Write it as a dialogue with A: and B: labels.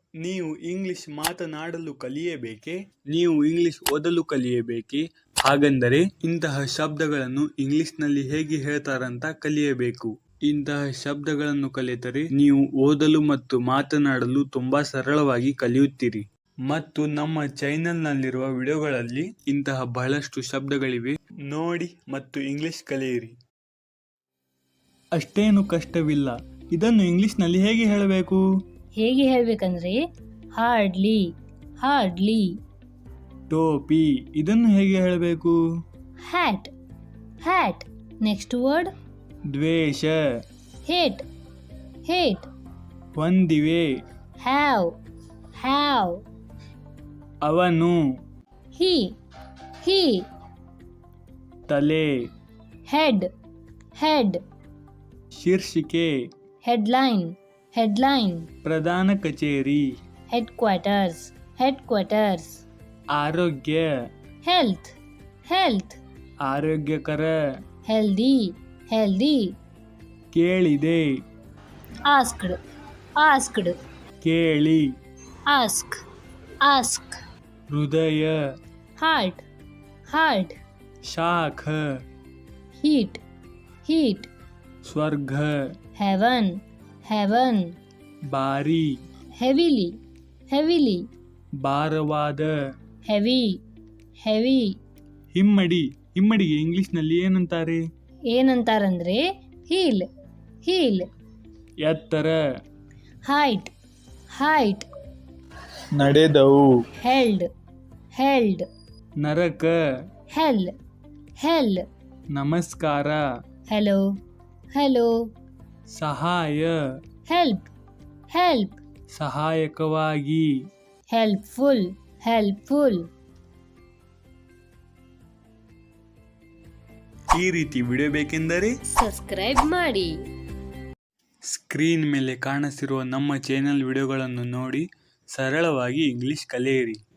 A: ನೀವು ಇಂಗ್ಲಿಷ್ ಮಾತನಾಡಲು ಕಲಿಯಬೇಕೇ? ನೀವು ಇಂಗ್ಲಿಷ್ ಓದಲು ಕಲಿಯಬೇಕೇ? ಹಾಗಂದರೆ ಇಂತಹ ಶಬ್ದಗಳನ್ನು ಇಂಗ್ಲಿಷ್ನಲ್ಲಿ ಹೇಗೆ ಹೇಳ್ತಾರಂತ ಕಲಿಯಬೇಕು. ಇಂತಹ ಶಬ್ದಗಳನ್ನು ಕಲಿತರೆ ನೀವು ಓದಲು ಮತ್ತು ಮಾತನಾಡಲು ತುಂಬಾ ಸರಳವಾಗಿ ಕಲಿಯುತ್ತೀರಿ. ಮತ್ತು ನಮ್ಮ ಚಾನೆಲ್ನಲ್ಲಿರುವ ವಿಡಿಯೋಗಳಲ್ಲಿ ಇಂತಹ ಬಹಳಷ್ಟು ಶಬ್ದಗಳಿವೆ, ನೋಡಿ ಮತ್ತು ಇಂಗ್ಲಿಷ್ ಕಲಿಯಿರಿ. ಅಷ್ಟೇನು ಕಷ್ಟವಿಲ್ಲ. ಇದನ್ನು ಇಂಗ್ಲಿಷ್ನಲ್ಲಿ ಹೇಗೆ ಹೇಳಬೇಕು?
B: ಹೇಗೆ ಹೇಳ್ಬೇಕಂದ್ರೆ ಹಾರ್ಡ್ಲಿ, ಹಾರ್ಡ್ಲಿ.
A: ಟೋಪಿ, ಇದನ್ನು ಹೇಗೆ ಹೇಳಬೇಕು?
B: Hat, hat. ನೆಕ್ಸ್ಟ್ ವರ್ಡ್
A: ದ್ವೇಷ,
B: ಹೇಟ್, ಹೇಟ್.
A: ಹೊಂದಿವೆ,
B: ಹ್ಯಾವ್, ಹ್ಯಾವ್.
A: ಅವನು,
B: ಹಿ, ಹಿ.
A: ತಲೆ,
B: ಹೆಡ್, ಹೆಡ್.
A: ಶೀರ್ಷಿಕೆ,
B: ಹೆಡ್ಲೈನ್, ಹೆಡ್ಲೈನ್.
A: ಪ್ರಧಾನ ಕಚೇರಿ,
B: ಹೆಡ್ ಕ್ವಾರ್ಟರ್ಸ್, ಹೆಡ್ ಕ್ವಾರ್ಟರ್ಸ್.
A: ಆರೋಗ್ಯ,
B: ಹೆಲ್ತ್, ಹೆಲ್ತ್.
A: ಆರೋಗ್ಯಕರ.
B: Healthy, healthy.
A: ಕೇಳಿದೆ,
B: ಆಸ್ಕ್ಡ್, ಆಸ್ಕ್ಡ್.
A: ಕೇಳಿ.
B: Ask, ask.
A: ಹೃದಯ,
B: ಹಾರ್ಟ್, ಹಾರ್ಟ್.
A: ಶಾಖ,
B: ಹೀಟ್, ಹೀಟ್.
A: ಸ್ವರ್ಗ,
B: ಹೆವನ್, ಹೆವನ್.
A: ಬಾರಿ,
B: ಹೆವಿಲಿ, ಹೆವಿಲಿ.
A: ಭಾರವಾದ.
B: Heavy, heavy.
A: ಹಿಮ್ಮಡಿ, ಹಿಮ್ಮಡಿಗೆ ಇಂಗ್ಲಿಷ್ನಲ್ಲಿ ಏನಂತಾರೆ?
B: ಏನಂತಾರಂದ್ರೆ ಹೀಲ್, ಹೀಲ್.
A: ಎತ್ತರ,
B: ಹೈಟ್, ಹೈಟ್.
A: ನಡೆದವು.
B: Held, held.
A: ನರಕ,
B: ಹೆಲ್, ಹೆಲ್.
A: ನಮಸ್ಕಾರ.
B: Hello, hello.
A: ಸಹಾಯ,
B: ಹೆಲ್ಪ್, ಹೆಲ್ಪ್.
A: ಸಹಾಯಕವಾಗಿ.
B: Helpful, helpful.
A: ಈ ರೀತಿ ವಿಡಿಯೋ ಬೇಕೆಂದರೆ
B: ಸಬ್ಸ್ಕ್ರೈಬ್ ಮಾಡಿ.
A: ಸ್ಕ್ರೀನ್ ಮೇಲೆ ಕಾಣಿಸಿರುವ ನಮ್ಮ ಚಾನೆಲ್ ವಿಡಿಯೋಗಳನ್ನು ನೋಡಿ ಸರಳವಾಗಿ ಇಂಗ್ಲಿಷ್ ಕಲಿಯಿರಿ.